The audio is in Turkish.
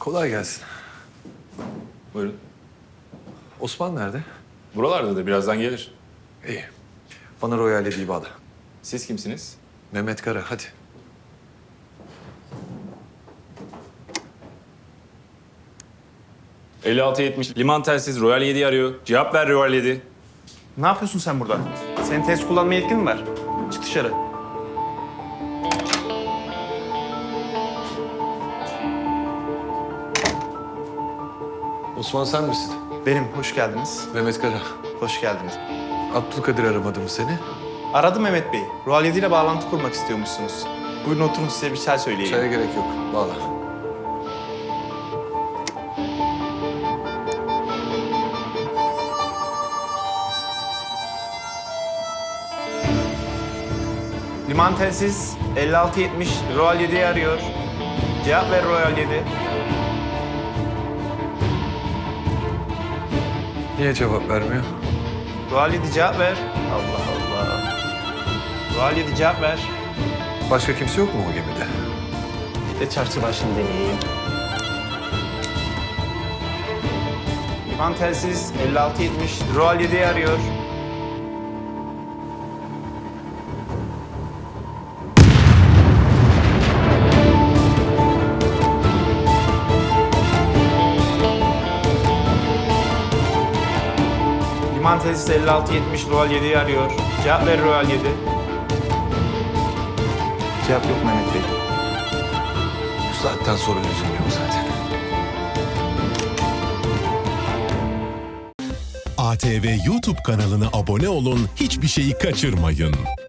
Kolay gelsin. Buyurun. Osman nerede? Buralardadır, birazdan gelir. İyi. Bana Royal Ledi'yi bağla. Siz kimsiniz? Mehmet Kara, hadi. ...5670 liman telsiz Royal 7'yi arıyor. Cevap ver Royal 7. Ne yapıyorsun sen burada? Senin test kullanma yetkin mi var? Çık dışarı. Osman sen misin? Benim, hoş geldiniz. Mehmet Kara. Hoş geldiniz. Abdülkadir aramadı mı seni? Aradım Mehmet Bey. Royal 7 ile bağlantı kurmak istiyormuşsunuz. Buyurun oturun, size bir çay söyleyeyim. Çaya gerek yok. Bağla. Liman telsiz 5670 Royal 7'yi arıyor. Cevap ver Royal 7. Niye cevap vermiyor? Royal 7 cevap ver. Allah Allah. Royal 7 cevap ver. Başka kimse yok mu o gemide? Bir de çarşı başını deneyeyim. Liman telsiz 5670 Royal 7'yi arıyor. Liman telsiz 5670 Royal 7'yi arıyor. Cevap ver Royal 7. Cevap yok Mehmet Bey. Bu saatten sonra lüzum yok zaten. ATV YouTube kanalına abone olun, hiçbir şeyi kaçırmayın.